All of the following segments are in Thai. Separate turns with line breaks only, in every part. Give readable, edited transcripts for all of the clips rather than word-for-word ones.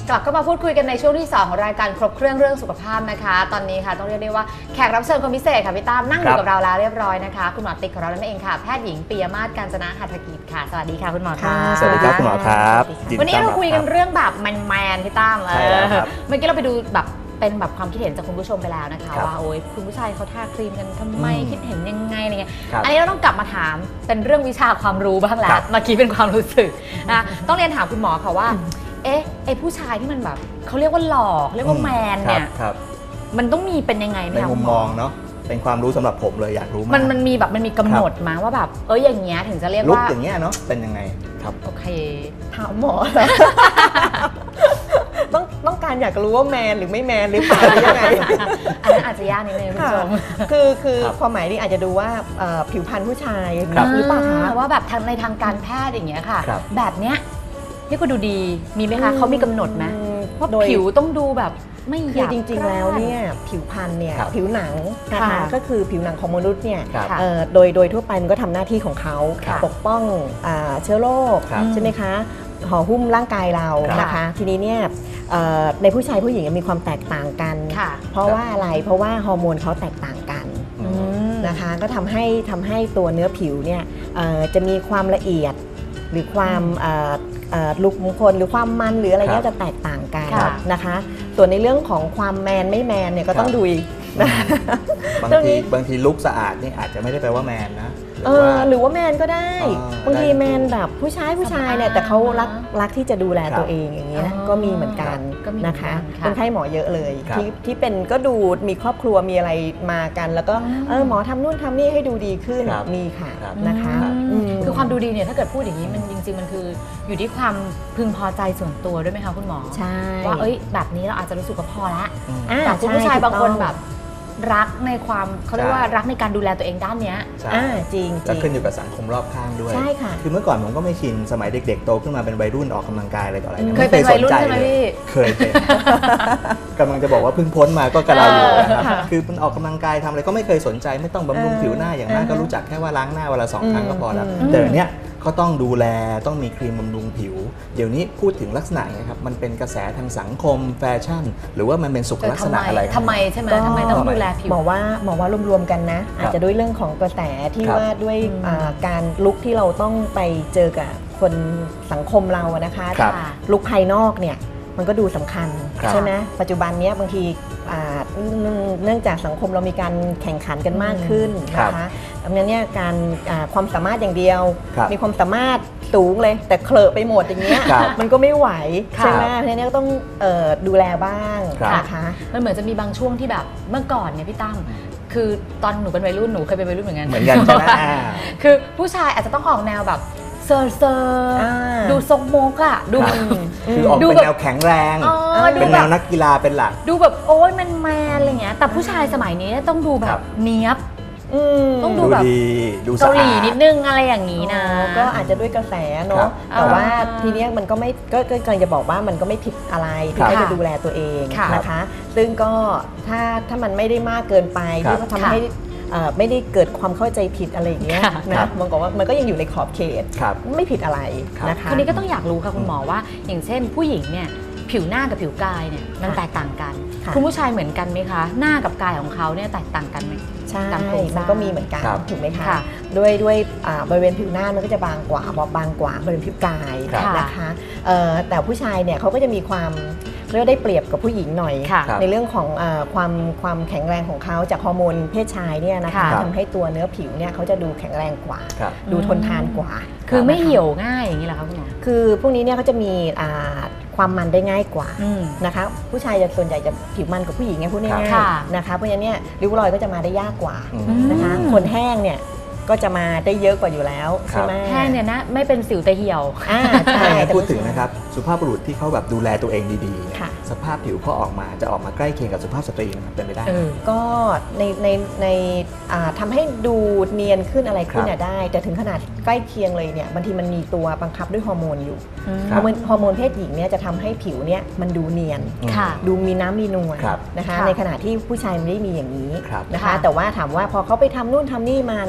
กลับเข้ามาพูดคุยกันในช่วงที่2ของรายการครบเครื่องเรื่องสุขภาพนะคะตอนนี้ค่ะต้องเรียกได้ว่าแขกรับเชิญคนพิเศษค่ะพี่ตั้มนั่งอยู่กับเราแล้วเรียบร้อยนะคะคุณหมอติ๊กของเรานั่นเองค่ะแพทย์หญิงปิยมาศ กาญจนะหัตถกิจค่ะสวัสดีค่ะคุณหมอค่ะ
สวัสดีครับคุณหมอครับ
วันนี้เราคุยกันเรื่องแบบแมนพี่ตั้ม
ใช่แล้วครับ
เมื่อกี้เราไปดูแบบเป็นแบบความคิดเห็นจากคุณผู้ชมไปแล้วนะคะว่าโอ้ยคุณผู้ชายเขาทาครีมกันทำไมคิดเห็นยังไงอะไรเงี้ยอันนี้เราต้องกลับมาถามเป็นเรื่องวิชาความรู้บ้างแล้วเมื่อกี้เป็นความรู้สึกนะต้องเรียนถามคุณหมอค่ะว่าไอ้ผู้ชายที่มันแบบเขาเรียกว่าหล่อเรียกว่าแมนเนี่ยมันต้องมีเป็นยังไงไหมคะ
ในมุมมองเนาะเป็นความรู้สำหรับผมเลยอยากรู้มาก
มันมีแบบมันมีกำหนดมาว่าแบบอย่างเงี้ยถึงจะเรียกว่า
ลุคอย่างเงี้ยเนาะเป็นยังไงครับ
โอเค
ถามหมอต้องการอยากรู้ว่าแมนหรือไม่แมนหรือเปล่าหรือยังไง
อันนั้นอาจจะยากนิดนึงคุณผู้ชม
คือความหมายนี้อาจจะดูว่าผิวพรรณผู้ชายหรือเปล่าคะ
ว่าแบบในทางการแพทย์อย่างเงี้ยค่ะแบบเนี้ยนี่ก็ดูดีมีไหมคะเขามีกำหนดไหมว่าผิวต้องดูแบบไม่หยาบ
จริงๆแล้วเนี่ยผิวพรรณเนี่ยผิวหนังนะคะก็คือผิวหนังของมนุษย์เนี่ยโดยทั่วไปมันก็ทำหน้าที่ของเขาปกป้องเชื้อโรคใช่ไหมคะห่อหุ้มร่างกายเรานะคะทีนี้เนี่ยในผู้ชายผู้หญิงมีความแตกต่างกันเพราะว่าอะไรเพราะว่าฮอร์โมนเขาแตกต่างกันนะคะก็ทำให้ตัวเนื้อผิวเนี่ยจะมีความละเอียดหรือความลุคมงคลหรือความมันหรืออะไรเงี้ยจะแตกต่างกันนะคะส่วนในเรื่องของความแมนไม่แมนเนี่ยก็ต้องดูนะ
บางทีลุคสะอาดนี่อาจจะไม่ได้แปลว่าแมนนะ
หรือว่าแมนก็ได้บางทีแมนแบบผู้ชายเนี่ยแต่เขารักที่จะดูแลตัวเองอย่างเงี้ยก็มีเหมือนกันนะคะคนไข้หมอเยอะเลยที่เป็นก็ดูมีครอบครัวมีอะไรมากันแล้วก็หมอทำนู่นทำนี่ให้ดูดีขึ้นมีค่ะนะคะ
คือความดูดีเนี่ยถ้าเกิดพูดอย่างนี้มันจริงๆมันคืออยู่ที่ความพึงพอใจส่วนตัวด้วยไหมคะคุณหมอ
ใช่
ว่าแบบนี้เราอาจจะรู้สึกว่าพอแล้วแต่คุณผู้ชายบางคนแบบรักในความเขาเรียกว่ารักในการดูแลตัวเองด้านเนี้ย
จริง
จะขึ้นอยู่กับสังคมรอบข้างด้วย
ใช่ค่ะ
คือเมื่อก่อนผมก็ไม่ชินสมัยเด็กๆโตขึ้นมาเป็นวัยรุ่นออกกำลังกายอะไรต่ออะไร
เคยเป็นวัยรุ่นใช่ไหมพี่
เคยเป็นกำลังจะบอกว่าเพิ่งพ้นมาก็กระไรอยู่นะครับคือมันออกกำลังกายทำอะไรก็ไม่เคยสนใจไม่ต้องบำรุงผิวหน้าอย่างมากก็รู้จักแค่ว่าล้างหน้าวันละ2 ครั้งก็พอแล้วแต่เนี้ยก็ต้องดูแลต้องมีครีมบำรุงผิวเดี๋ยวนี้พูดถึงลักษณะนะครับมันเป็นกระแสทางสังคมแฟชั่นหรือว่ามันเป็นสุขลักษณะอะไร
ทำไมใช่ไหมทำไมต้องดูแลผิว
บอกว่ารวมๆกันนะอาจจะด้วยเรื่องของกระแสที่ว่าด้วยการลุกที่เราต้องไปเจอกับคนสังคมเรานะคะลุกภายนอกเนี่ยมันก็ดูสำคัญใช่ไหมปัจจุบันนี้บางทีเนื่องจากสังคมเรามีการแข่งขันกันมากขึ้นนะคะดังนั้นเนี่ยการความสามารถอย่างเดียวมีความสามารถสูงเลยแต่เคลอะไปหมดอย่างเงี้ยมันก็ไม่ไหวใช่ไหมเพราะฉะนั้นก็ต้องดูแลบ้างนะคะ
มันเหมือนจะมีบางช่วงที่แบบเมื่อก่อนเนี่ยพี่ตั้มคือตอนหนูเป็นวัยรุ่นหนูเคยเป็นวัยรุ่นเหมือนกัน
ใช่ไหม
คือผู้ชายอาจจะต้องออกแนวแบบเซอร์ดูทรงโมกอะดู
คือออกเป็นแนวแข็งแรงเป็นแนวนักกีฬาเป็นหลัก
ดูแบบโอ้ยมันแมนอะไรเงี้ยแต่ผู้ชายสมัยนี้ต้องดูแบบเนี้ยบต้องดูแบบเกาหลีนิดนึงอะไรอย่างนี้นะ
ก็อาจจะด้วยกระแสเนาะแต่ว่าทีนี้มันก็ไม่ก็กำลังจะบอกว่ามันก็ไม่ผิดอะไรที่จะดูแลตัวเองนะคะซึ่งก็ถ้ามันไม่ได้มากเกินไปที่ทำให้ไม่ได้เกิดความเข้าใจผิดอะไรอย่างเงี้ยนะมันก็ว่ามันก็ยังอยู่ในขอบเขตไม่ผิดอะไรนะคะ
ทีนี้ก็ต้องอยากรู้ค่ะคุณหมอว่าอย่างเช่นผู้หญิงเนี่ยผิวหน้ากับผิวกายเนี่ยมันแตกต่างกันคุณผู้ชายเหมือนกันไหมคะหน้ากับกายของเขาเนี่ยแตกต่างกันไหม
ใช่มันก็มีเหมือนกันถูกไหมคะด้วยบริเวณผิวหน้ามันก็จะบางกว่าบางกว่าบริเวณผิวกายนะคะแต่ผู้ชายเนี่ยเขาก็จะมีความเรียกได้เปรียบกับผู้หญิงหน่อยในเรื่องของความแข็งแรงของเขาจากฮอร์โมนเพศชายเนี่ยนะคะทำให้ตัวเนื้อผิวเนี่ยเขาจะดูแข็งแรงกว่าดูทนทานกว่า
คือไม่เหี่ยวง่ายอย่างนี้เหรอคะคุณหมอ
คือพวกนี้เนี่ยเขาจะมีความมันได้ง่ายกว่านะคะผู้ชายจะส่วนใหญ่จะผิวมันกับผู้หญิงไงพูดง่ายๆนะคะเพราะฉะนั้นเนี่ยริ้วรอยก็จะมาได้ยากกว่านะคะคนแห้งเนี่ยก็จะมาได้เยอะกว่าอยู่แล้วใช่ไหม
แห้งเนี่ยนะไม่เป็นสิวแต่เหี่ยว
ใช่พูดถึงนะครับสุภาพบุรุษที่เขาแบบดูแลตัวเองดีๆสภาพผิวเขาออกมาจะออกมาใกล้เคียงกับสุภาพสตรีนะครับเป็นไปได้
ก็ในทำให้ดูเนียนขึ้นอะไรขึ้นได้แต่ถึงขนาดใกล้เคียงเลยเนี่ยบางทีมันมีตัวบังคับด้วยฮอร์โมนอยู่ฮอร์โมนเพศหญิงเนี่ยจะทำให้ผิวเนี่ยมันดูเนียนดูมีน้ำมีนวลนะคะในขณะที่ผู้ชายไม่ได้มีอย่างนี้นะคะแต่ว่าถามว่าพอเขาไปทำนู่นทำนี่มาเนี่ยให้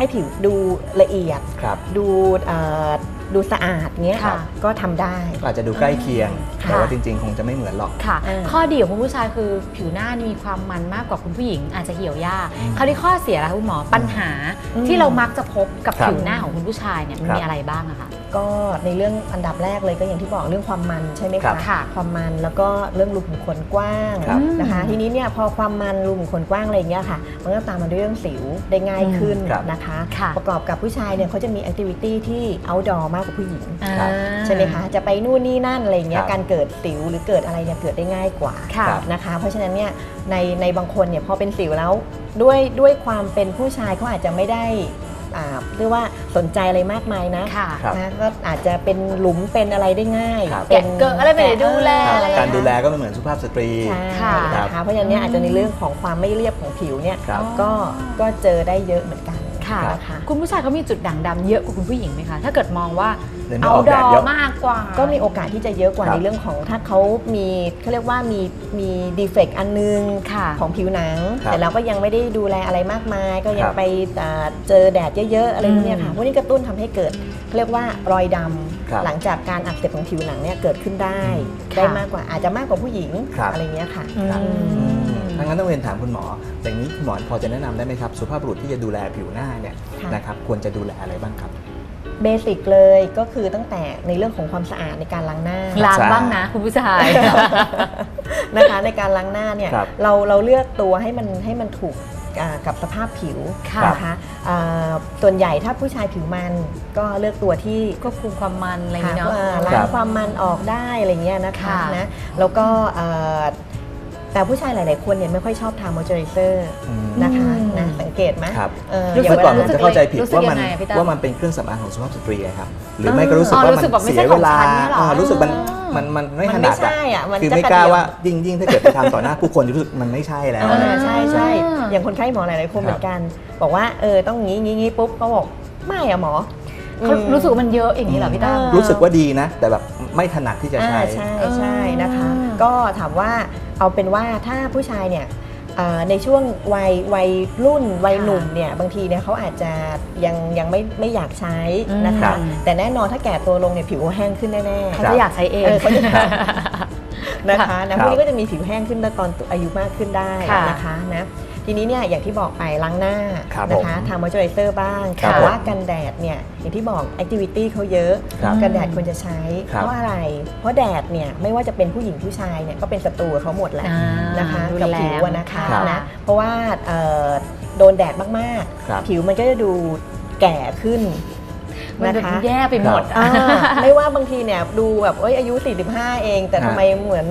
ให้ผิวดูละเอียด
ครับ
ดูสะอาดเงี้ย
ค่ะ
ก็ทำได้
อาจจะดูใกล้เคียง
ค่ะ
แต่ว่าจริงๆ คงจะไม่เหมือนหรอก
ค่ะ
อ่า
ข้อดีของคุณผู้ชายคือผิวหน้านี่มีความมันมากกว่าคุณผู้หญิงอาจจะเหี่ยวยาก
อืม
คราวนี้ข้อเสียล่ะคุณหมอปัญหาที่เรามักจะพบกับ
ครับ
ผิวหน้าของคุณผู้ชายเนี่ยมัน
ครับ
มีอะไรบ้างอะคะ
ก็ในเรื่องอันดับแรกเลยก็อย่างที่บอกเรื่องความมันใช่ไหม
ครั
คะ
บ
ค่ะ
ความมันแล้วก็เรื่องรูขุมขนกว้าง
ครับ
นะคะ ทีนี้เนี่ยพอความมันรูขุมขนกว้างอะไรอย่างเงี้ยค่ะมันก็ตามมาด้วยเรื่องสิวได้ง่ายขึ้น
ครับ
นะคะ
ค่ะ
ประกอบกับผู้ชายเนี่ยเขาจะมีแอคทิวิตี้ที่ outdoor มากกว่าผู้หญิง
ครับ
ใช่ไหมคะจะไปนู่นนี่นั่นอะไรอย่างเงี้
ค
ย
รับ
การเกิดสิวหรือเกิดอะไรเนี่ยเกิดได้ง่ายกว่า
ค่ะ
ครับ
นะคะเพราะฉะนั้นเนี่ยในบางคนเนี่ยพอเป็นสิวแล้วด้วยความเป็นผู้ชายเขาอาจจะไม่ได้เรียกว่าสนใจอะไรมากมายนะ
ค่ะ
ครับ
นะก็อาจจะเป็นหลุมเป็นอะไรได้ง่าย
ครับ
แกะเกิดอะไรไม่ได้ดูแล
ครับ
อะไร
การดูแลก็ไม่เหมือนสุภาพสตรี
ใช่
ค่ะ
นะคะเพราะฉะนั้นเนี่ยอาจจะในเรื่องของความไม่เรียบของผิวเนี่ย
ครับ
ก็เจอได้เยอะเหมือนกัน
ค่ะ
นะคะ
คุณผู้ชายเขามีจุดด่างดำเยอะกว่าคุณผู้หญิงไหมคะ ถ้าเกิดมองว่า
เดี๋ยวนี้ออกแดดเยอะ
มากกว่า
ก็มีโอกาสที่จะเยอะกว่า
ครับ
ในเรื่องของถ้าเขามีเขาเรียกว่ามีดีเฟกต์อันนึง
ค่ะ
ของผิวหนัง
ครับ
แต่เราก็ยังไม่ได้ดูแลอะไรมากมาย ก็ยั
ค
ง
รับ
ไปเจอแดดเยอะๆอะไรพวกเนี้ยค่ะพวกนี้กระตุ้นทำให้เกิดเขาเรียกว่ารอยด
ครับ
ำหลังจากการอักเสบของผิวหนังเนี่ยเกิดขึ้นได้
ค่ะ
ได้มากกว่าอาจจะมากกว่าผู้หญิง
ครับ
อะไรเงี้ยค่ะ
ครับ
อืม
ถ้างั้นต้องเรียนถามคุณหมออย่างนี้คุณหมอพอจะแนะนำได้ไหมครับสุภาพบุรุษที่จะดูแลผิวหน้าเนี่ย
ค่ะ
นะครับควรจะดูแลอะไรบ้างครับ
เบสิกเลยก็คือตั้งแต่ในเรื่องของความสะอาดในการล้างหน้า
ล้างบ้างนะคุณผู้ชาย
นะคะในการล้างหน้าเนี่ย
ครับ
เราเลือกตัวให้มันถูกกับสภาพผิว
ค่ะ
นะคะส่วนใหญ่ถ้าผู้ชายผิวมันก็เลือกตัวที่
ควบคุมความมันอะไรอย่าง
ค่ะ
นี้เนาะ
ล้างความมันออกได้อะไรเงี้ยนะคะ
ค่ะ
นะแล้วก็แต่ผู้ชายหลาย ๆ คนเนี่ยไม่ค่อยชอบทามอยเจอไรเซอร์ นะคะนะสังเกตไหม
ครับ
อ
รู้
ย่าง
สึก
เว
ก่อ
ลาน
ผมจะเข้าใจผิด
รู้สึก
ว่ามัน
ยังไงพี่ตั้ม
ว่ามันเป็นเครื่องสำอางของสุภาพสตรีอะครับหรือไม่ก็รู้สึกว่า
รู้สึกแบบ
มัน
ไม่ใช่
เสียเวลา
ของฉันเนี่ยหรอ
รู้สึกมันไม่
มัน
ถ
ไม่
นัด
ใช่อ่ะมัน
คือ
จะ
ไม่
กระ
กล้า
เดียว
ว่ายิ่งถ้าเกิดไปทำต่อหน้าผู้คนจะรู้สึกมันไม่ใช่แล้ว
ใช่ใช่
อ่า
อย่างคนไข้หมอหลาย ๆ คนเหมือนกัน บอกว่าต้องงี้ปุ๊บเขาบอกไม่อะหมอ
เขารู้สึกว่ามันเยอะอย่างนี้เหรอพี่ตั้ม
รู้สึกว่าดีนะ แต่แบบไม่ถนัดที่จะใช้
ใช่นะคะ
อ่า
ก็ถามว่าเอาเป็นว่าถ้าผู้ชายเนี่ยในช่วงวัยรุ่นวัยหนุ่มเนี่ยบางทีเนี่ยเขาอาจจะยังไม่อยากใช้นะ
ครั
คะ
บ
แต่แน่นอนถ้าแก่ตัวลงเนี่ยผิวแห้งขึ้นแน่ๆ
เขาจะอยากใช้เอง
เขาจะนะคะนะ
ค
พ
รับ
วกนี้ก็จะมีผิวแห้งขึ้นตอนอายุมากขึ้นได้
ค่ะ
นะคะนะทีนี้เนี่ยอย่างที่บอกไปล้างหน้า
ครับ
นะคะ
ผม
ทามอยเจอไรเซอร์บ้าง
ครับ
แต่ว่า
ผม
กันแดดเนี่ยอย่างที่บอกแอคทิวิตี้เขาเยอะ
ครับ
กันแดดควรจะใช้
ครับ
เพราะอะไร เพราะแดดเนี่ยไม่ว่าจะเป็นผู้หญิงผู้ชายเนี่ยก็เป็นศัตรูกับเขาหมดแหละ
อ่า
นะคะ
รุน
กับ
แรง
ผิวอะนะคะ
ครับ
นะเพราะว่าโดนแดดมาก
ครับ
ๆ ผิวมันก็จะดูแก่ขึ้น
มัน
นะ
แบบ
คะ
แย่ไปหมด
อ่าไม่ว่าบางทีเนี่ยดูแบบอายุ 45 เอง แต่ทำไมเหมือน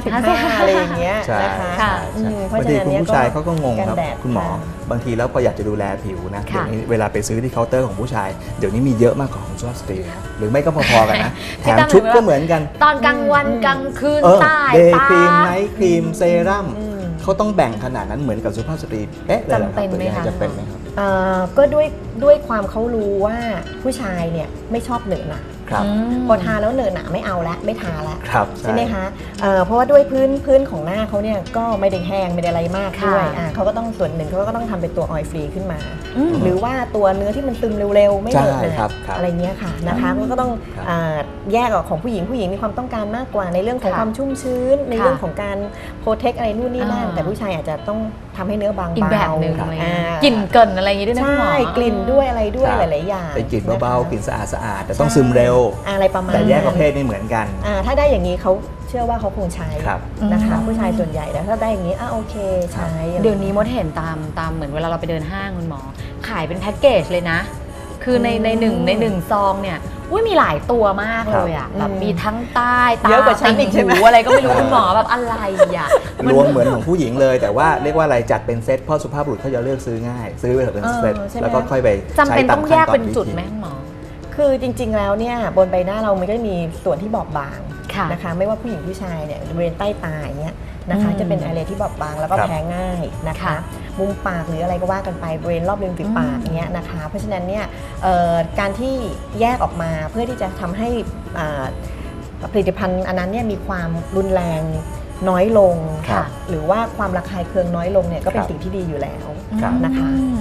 55 อะไรอย่างเงี้ย
ใช่
นะคะ
ใช่
อื
ใช่
มเพราะ
บาง
ฉะ
ที
นั้น
คุณ
เนี่ย
ผู้ชายเขาก็งงครับ
กันแดด
คุณหมอ
ค่ะ
บางทีแล้วพออยากจะดูแลผิวนะ
ค่ะ
เดี๋ยวนี้เวลาไปซื้อที่เคาน์เตอร์ของผู้ชายเดี๋ยวนี้มีเยอะมากกว่าของสุภาพสตรีนะหรือไม่ก็พอๆกันนะแถ
พี่
ม
ตั้ม
ชุด
เห็นไหม
ก็เหมือนกัน
ตอนกลางวันกลางคืนใต้
เดย์
ตา
ครีมไนท์ครีมเซรั่ม
อืม
เขาต้องแบ่งขนาดนั้นเหมือนกับสุภาพสตรีเอ๊ะเลยหรอครับ
จำเป็นไหมคะ
จำเป็นไหมครับ
ก็ด้วยความเขารู้ว่าผู้ชายเนี่ยไม่ชอบเหนอะหนา
ครับ
พอทาแล้วเหนอะหนาไม่เอาละไม่ทาละ
ครับ
ใช่ไหมคะเพราะว่าด้วยพื้นของหน้าเขาเนี่ยก็ไม่ได้แห้งไม่ได้อะไรมาก
ค่ะ
ด้วยเขาก็ต้องส่วนหนึ่งเขาก็ต้องทำเป็นตัวออยล์ฟรีขึ้นมา
อืม
หรือว่าตัวเนื้อที่มันซึมเร็วๆ ไม่เหนอะห
ใช่
นา
ครับ
อะไรเงี้ยค่ะนะคะก็ต้อง
ครับ
แยกออกของผู้หญิงมีความต้องการมากกว่าในเรื่องของ
ค่ะ
ความชุ่มชื้น ในเรื่องของการโปรเทคอะไรนู่นนี่นั่น
อ่า
แต่ผู้ชายอาจจะต้องทำให้เนื้อบาง
อีกแบบหนึ่ง
ครับ
อะไรอย่างเงี้ยกลิ่นเกินอะไรอย่างงี้ด้วยนะคุณหมอ
ใช่กลิ่นด้วยอะไรด้วย
ครับ
หลายๆอย่าง
เป็นกลิ่นเบาๆ
ะคะ
กลิ่นสะอาดๆแต่ต้องซึมเร็ว
อะไรประมาณ
แต่แยก
นั้น
ประเภทนี่เหมือนกัน
ถ้าได้อย่างนี้เขาเชื่อว่าเขาคงใช้
ครับ
นะคะ
อืม
ผู้ชายส่วนใหญ่แล้วถ้าได้อย่างนี้โอเคใช้
เดี๋ยวนี้มดเห็นตามเหมือนเวลาเราไปเดินห้างคุณหมอ ขายเป็นแพ็กเกจเลยนะ คือในหนึ่งซองเนี่ยมีหลายตัวมากเลยอ่ะแบบมีทั้งใต้ตา
เยอะกว่าฉันอีกใช่ไหม
หูอะไรก็ไม่รู้คุณหมอแบบอะไรอ่ะ
รวมเหมือนของผู้หญิงเลย แต่ว่าเรียกว่าอะไรจัดเป็นเซตเพราะสุภาพบุรุษเขาจะเลือกซื้อง่าย ซื้อไปเป็นเซต
ใช่ไหม
แล้วก็ค่อยไป
จำเป็น
ใช้า
ต้
ม
องแยก
ขั้
เป็นจุด
วิธี
ไหมคุณหมอ
คือจริงๆแล้วเนี่ยบนใบหน้าเรามันก็มีส่วนที่บอบบาง
ค่ะ
นะคะไม่ว่าผู้หญิงผู้ชายเนี่ยบริเวณใต้ตาอย่างเงี้ยนะคะ
อืม
จะเป็นอะไรที่บอบบางแล้วก็
ครับ
แพ้ง่ายนะคะ
ค่ะ
มุมปากหรืออะไรก็ว่ากันไปบริเวณรอบริมฝีปากเงี้ยนะคะเพราะฉะนั้นเนี่ยการที่แยกออกมาเพื่อที่จะทำให้ผลิตภัณฑ์อันนั้นเนี่ยมีความรุนแรงน้อยลง
ครับ
หรือว่าความระคายเคืองน้อยลงเนี่ยก็เป็น
ครับ
สิ่งที่ดีอยู่แล้ว
ครับ
นะคะ
อืม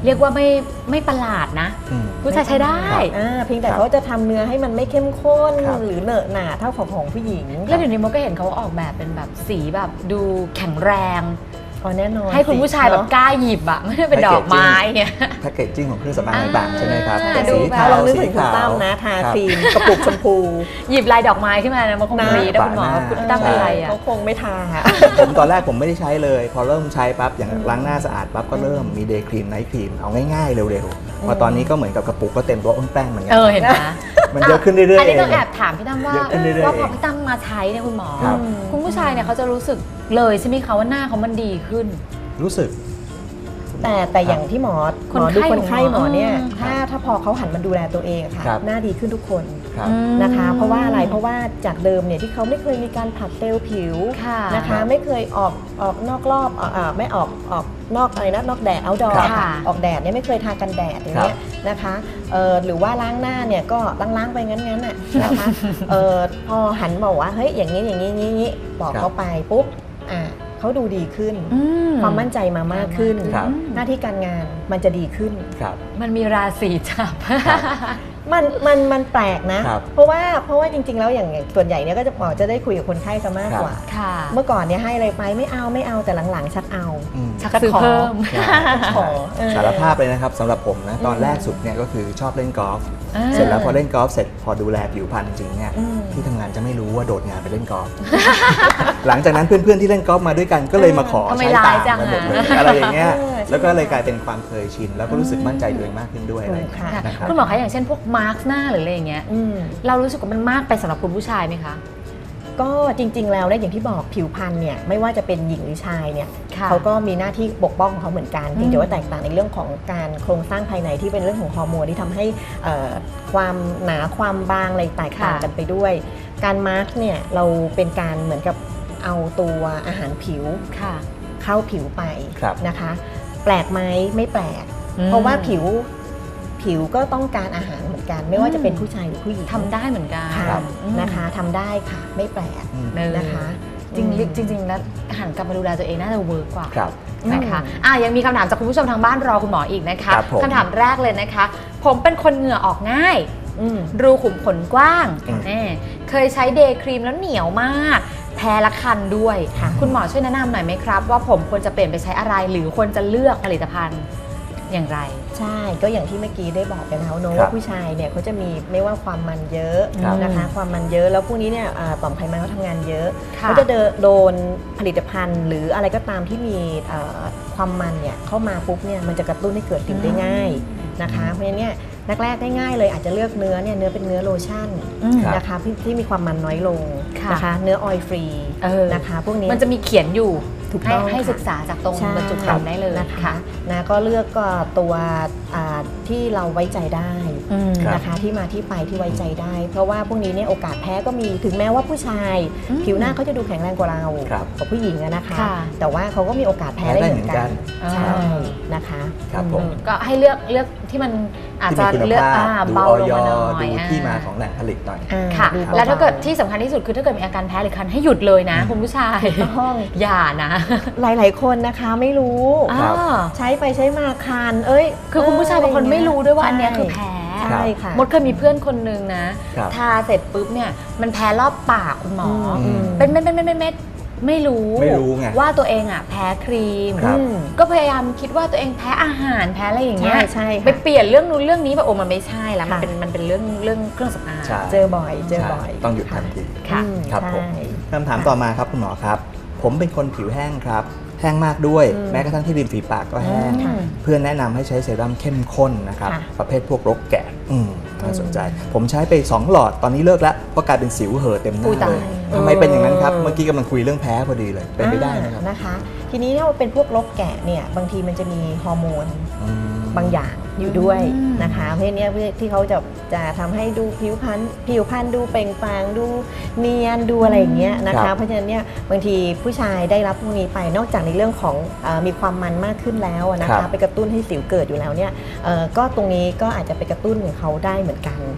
เรียกว่าไม่ประหลาดนะผู้ชายใช้ได้
เพียงแต่เขาจะทำเนื้อให้มันไม่เข้มข้นหรือเหนอะหนาเท่าของผู้หญิง
แล้วเดี๋ยวนี้มดก็เห็นเขาออกแบบเป็นแบบสีแบบดูแข็งแรง
แน่นอน
ให้คุณผู้ชายแบบกล้าหยิบอะไม่ได้เป็นดอกไม้เนี่ย
แพคเกจจิ้งของเครื่องสำอางต่างๆใช่ไหมครับ
สีขาวสีขาวนะทาครีมกระปุกชมพู
หยิบลายดอกไม้ขึ้นมานะมันคงดีนะคุณหมอคุณตั้งอะไรอะ
เขาคงไม่ทา
ผมตอนแรกผมไม่ได้ใช้เลยพอเริ่มใช้ปั๊บอย่างล้างหน้าสะอาดปั๊บก็เริ่มมีเดย์ครีมไนท์ครีมเอาง่ายๆเร็วๆพอตอนนี้ก็เหมือนกับกระปุกก็เต็มตัวแป้งเหมือนกัน
เห็นไหม
มันเยอะขึ้นเรื่อยๆ
อันนี้ต้องแอบถามพี่ตั้มว่าพอพี่ตั้มมาใช้เนี่ยคุณหมอคุณผู้ชายเนี่ยเขาจะรู้สึกเลยใช่ไหมคะว่าหน้าเขามันดีขึ้น
รู้สึก
แต่อย่างที่หมอดูคนไข้หมอเนี่ยถ้าพอเขาหันมาดูแลตัวเองค่ะหน้าดีขึ้นทุกคนนะคะเพราะว่าอะไรเพราะว่าจากเดิมเนี่ยที่เขาไม่เคยมีการผัดเซลล์ผิวนะคะไม่เคยออกนอกรอบไม่ออกนอกอะไรนะนอกแดดเอาดอออกแดดเนี่ยไม่เคยทากันแดดอย่างเงี้ยนะคะหรือว่าล้างหน้าเนี่ยก็ล้างไปงั้นน่ะนะคะพอหันมาว่าเฮ้ยอย่างนี้บอกเขาไปปุ๊บเขาดูดีขึ้นความมั่นใจมามากขึ้นหน้าที่การงานมันจะดีขึ้น
มันมีราศีจับ
มันแปลกนะเพราะว่าจริงๆแล้วอย่างส่วนใหญ่เนี่ยก็จะหมอจะได้คุยกับคนไข้ซะมากกว่าเมื่อก่อนเนี่ยให้อะไรไปไม่เอาแต่หลังๆชักเอา
ชักซื้อเพิ่ม
สารภาพเลยนะครับสำหรับผมนะตอนแรกสุดเนี่ยก็คือชอบเล่นกอล์ฟเสร็จแล้วพอเล่นกอล์ฟเสร็จพอดูแลผิวพรรณจริงเนี่ยที่ทำงานจะไม่รู้ว่าโดดงานไปเล่นกอล์ฟหลังจากนั้นเพื่อนๆที่เล่นกอล์ฟมาด้วยกันก็เลยมาขอใช้ตามกันหมดเลยอะไรอย่างเงี้ยแล้วก็เลยกลายเป็นความเคยชินแล้วก็รู้สึกมั่นใจตัวเองมากขึ้นด้วยนะครับ
คุณหมอคะอย่างเช่นพวกมาร์กหน้าหรืออะไรอย่างเงี้ยเรารู้สึกว่ามันมากไปสำหรับคุณผู้ชายไหมคะ
ก็จริงๆแล้วเนี่ยอย่างที่บอกผิวพรรณเนี่ยไม่ว่าจะเป็นหญิงหรือชายเนี่ยเขาก็มีหน้าที่ปกป้องของเขาเหมือนกันเพียงแต่ว่าแตกต่างในเรื่องของการโครงสร้างภายในที่เป็นเรื่องของฮอร์โมนที่ทำให้ความหนาความบางอะไรแตกต่างกันไปด้วยการมาร์กเนี่ยเราเป็นการเหมือนกับเอาตัวอาหารผิวเข้าผิวไปนะคะแปลกไหมไม่แปลกเพราะว่าผิวก็ต้องการอาหารเหมือนกันไม่ว่าจะเป็นผู้ชายหรือผู้หญิง
ทำได้เหมือนกัน
นะคะทำได้ค่ะไม่แปลกนะคะ
จริงแล้วหันกลับมาดูแลตัวเองน่าจะเวิร์กกว่านะคะยังมีคำถามจากคุณผู้ชมทางบ้านรอคุณหมออีกนะคะคำถามแรกเลยนะคะผมเป็นคนเหงื่อออกง่ายรูขุมขนกว้างเคยใช้เดย์ครีมแล้วเหนียวมากแพ้ละคันด้วยคุณหมอช่วยแนะนำหน่อยไหมครับว่าผมควรจะเปลี่ยนไปใช้อะไรหรือควรจะเลือกผลิตภัณฑ์อย่างไร
ใช่ก็อย่างที่เมื่อกี้ได้บอกไปแล้วเนอะว่าผู้ชายเนี่ยเขาจะมีไม่ว่าความมันเยอะนะคะความมันเยอะแล้วพวกนี้เนี่ยต่อมไขมันเขาทำงานเยอะเขาจะโดนผลิตภัณฑ์หรืออะไรก็ตามที่มีความมันเนี่ยเข้ามาปุ๊บเนี่ยมันจะกระตุ้นให้เกิดสิวได้ง่ายนะคะเพราะฉะนั้นเนี่ยแรกๆง่ายๆเลยอาจจะเลือกเนื้อเป็นเนื้อโลชั่นนะคะที่มีความมันน้อยลงนะคะเนื้อออยล์ฟรีนะคะพวกนี้
มันจะมีเขียนอยู่ให้ศึกษาจากตรงบรรจุภัณฑ์ได้เลย
นะคะก็เลือกก็ตัวที่เราไว้ใจได้นะคะที่มาที่ไปที่ไว้ใจได้เพราะว่าพวกนี้เนี่ยโอกาสแพ้ก็มีถึงแม้ว่าผู้ชายผิวหน้าเขาจะดูแข็งแรงกว่าเรากับผู้หญิงนะคะแต่ว่าเขาก็มีโอกาสแพ้ได้เหมือนกันใช่นะคะ
ก็ให้เลือกที่มันอาจจะเลือกเบาลงมาหน่อย
ดูที่มาของแหล่งผลิตหน่อย
ค่ะแล้วถ้าเกิดที่สำคัญที่สุดคือถ้าเกิดมีอาการแพ้หรือคันให้หยุดเลยนะคุณผู้ชายอย่านะ
หลายๆคนนะคะไม่รู้ใช้ไปใช้มาคัน
คือคุณผู้ชายบางคนไม่รู้ด้วยว่าอันนี้คือแพ้
ใช่ค่ะ
มดเคยมีเพื่อนคนนึงนะทาเสร็จปุ๊บเนี่ยมันแพ้รอบปากคุณหมอเป็นเม็ดไม่รู้ไงว่าตัวเองแพ้ครีมก็พยายามคิดว่าตัวเองแพ้อาหารแพ้อะไรอย่างเงี้ยไปเปลี่ยนเรื่องนู้นเรื่องนี้แบบมันไม่ใช่แล้วมันเป็นเรื่องเครื่องสำอาง
เจอบ่อย
ต้องหยุดทันทีครับผมคำถามต่อมาครับคุณหมอครับผมเป็นคนผิวแห้งครับแห้งมากด้วยแม้กระทั่งที่ริมฝีปากก็แห้งเพื่อนแนะนำให้ใช้เซรั่มเข้มข้นนะครับประเภทพวกรกแกะน่าสนใจผมใช้ไป2หลอดตอนนี้เลิกแล้วเพราะกลายเป็นสิวเห่อเต็มหน้าเลยทำไมเป็นอย่างนั้นครับเมื่อกี้กำลังคุยเรื่องแพ้พอดีเลยเป็นไปได้ไหมครับ
นะคะทีนี้ถ้าเป็นพวกรกแกะเนี่ยบางทีมันจะมีฮอร์โมนบางอย่างอยู่ด้วยนะคะเพราะนี้ที่เขาจะทำให้ดูผิวพรรณดูเปล่งปลั่งดูเนียนดูอะไรอย่างเงี้ยนะคะเพราะฉะนั้นเนี่ยบางทีผู้ชายได้รับพวกนี้ไปนอกจากในเรื่องของมีความมันมากขึ้นแล้วนะคะไปกระตุ้นให้สิวเกิดอยู่แล้วเนี่ยก็ตรงนี้ก็อาจจะไปกระตุ้นของเขาได้เหมือนกัน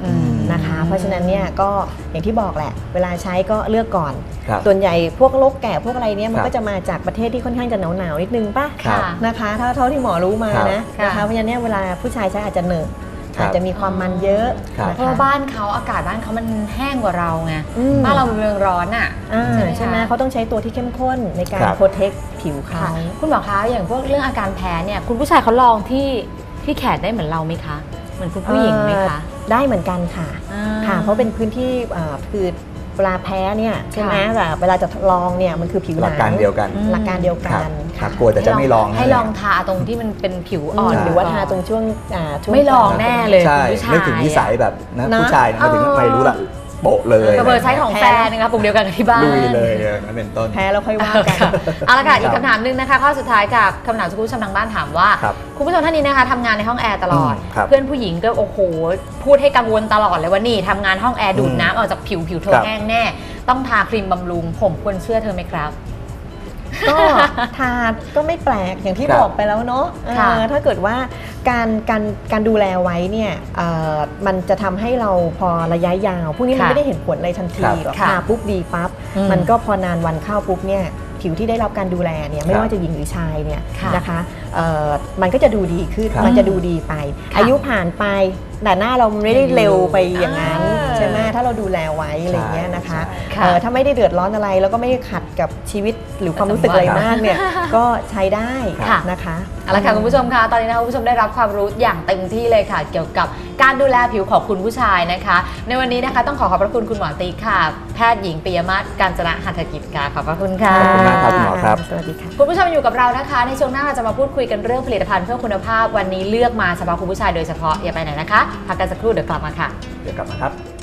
นะคะ เพราะฉะนั้นเนี่ยก็อย่างที่บอกแหละเวลาใช้ก็เลือกก่อน
ครับ
ส่วนใหญ่พวกโรคแก่พวกอะไรเนี่ยมัน
ครับ
ก็จะมาจากประเทศที่ค่อนข้างจะหนาวๆนิดนึงป่ะ
ครับ
นะคะถ้าเท่าที่หมอรู้มา
ครับ
นะนะคะเพราะฉะนั้นเนี่ยเวลาผู้ชายใช้อาจจะเหนอะ
ครับ
อาจจะมีความมันเยอะ
ครับ
นะ
เพราะ
คะ
ว่าบ้านเขาอากาศบ้านเขามันแห้งกว่าเราไง
อืม
บ้านเราเป็นเมืองร้อนอ่ะ
ใช่ไหมเขาต้องใช้ตัวที่เข้มข้นในการ
ครับ
โปรเทคผิวเขา
ค่ะคุณหมอคะอย่างพวกเรื่องอาการแพ้เนี่ยคุณผู้ชายเขาลองที่แขนได้เหมือนเราไหมคะเหมือนคุณผู้หญิงไหมคะ
ได้เหมือนกันค่ะ
อ่า
ค่ะ เพราะเป็นพื้นที่คือเวลาแพ้เนี่ยใช่ไหม
ค่ะ
แบบเวลาจะลองเนี่ยมันคือผิวห
ห
นั
ลั
ง
กการเดียวกัน
หลักการเดียว
ค
กั
รับ
น
ครับ
ค่ะ
กลัวแต่จะไม่ลอง
ให้ลองทาตรงที่มันเป็นผิวอ่อน
ใช่
หรือว่าทาตรงช่วง
ไม่ลองแน่เลย
ใช่
คุณผู้ชาย
นึกถึงนิสัยแบบนะ
นะ
ผู้ชายนะมาถึงไม่รู้ละโปะเลย
กระเบอร์ใช้ของแฟนนะคะปุ่มเดียวกันกับที่บ้าน
ลุยเลยอย่างนั้นเป็นต้น
แพ้แล้วค่อยว่ากัน
เอาละค่ะอีกคำถามหนึงนะคะข้อสุดท้ายกับคำถามจากคุณผู้ชมทางบ้านถามว่า
ครับ
คุณผู้ชมท่านนี้นะคะทำงานในห้องแอร์ตลอด
ครับ
เพื่อนผู้หญิงก็โอ้โหพูดให้กังวลตลอดเลยว่านี่ทำงานห้องแอร์ดูดน้ำออกจากผิวเธอ
ครับ
แห้งแน่ ต้องทาครีมบำรุงผมควรเชื่อเธอไหมครับ
ก็ทาก็ไม่แปลกอย่างที่
ครับ
บอกไปแล้วเนาะ
ค่ะ
ถ้าเกิดว่าการดูแลไว้เนี่ยมันจะทำให้เราพอระยะยาวพวกนี้มัน
ค่ะ
ไม่ได้เห็นผลอะไรทันที
ครับ
หรอก
ค่ะ
ทาปุ๊บดีปั๊บ
อืม
มันก็พอนานวันเข้าปุ๊บเนี่ยผิวที่ได้รับการดูแลเนี่ยไม่
ครับ
ว่าจะหญิงหรือชายเนี่ย
ค่ะ
นะคะมันก็จะดูดีขึ้น
ครับ
มันจะดูดีไป
ค่ะ
อายุผ่านไปแต่หน้าเราไม่ได้เร็วไปอย่างนั้น
อ่า
ใช่ไหมถ้าเราดูแลไว้อะไรอย่างเงี้ยนะคะ
ใช่
ค่ะ
ถ้าไม่ได้เดือดร้อนอะไรแล้วก็ไม่ได้ขัดกับชีวิตหรือความรู้สึกอะไรมากเนี่ยก็ใช้ได้
ค่ะ
นะคะ
เอาละค่ะคุณผู้ชมคะตอนนี้นะคะคุณผู้ชมได้รับความรู้อย่างเต็มที่เลยค่ะ เกี่ยวกับการดูแลผิวของคุณผู้ชายนะคะ ในวันนี้นะคะต้องขอบพระคุณคุณหมอติ๊กค่ะ แพทย์หญิงปิยมาศกาญจนะหัตถกิจค่ะขอบพระคุณค่ะ
ขอบคุณมากครับคุณหมอครับ
สวัสดีค่ะ
คุณผู้ชมอยู่กับเรานะคะ ในช่วงหน้าเราจะมาพูดคุยกันเรื่องผลิตภัณฑ์เพื่อคุณภาพวันนี้เลือกมาเฉพาะคุณผู้ชายโดยเฉพาะอย่าไปไหนนะคะพักกันสักครู่เดี๋ยวกลับมาค่ะ
เดี๋ยวกลับมาครับ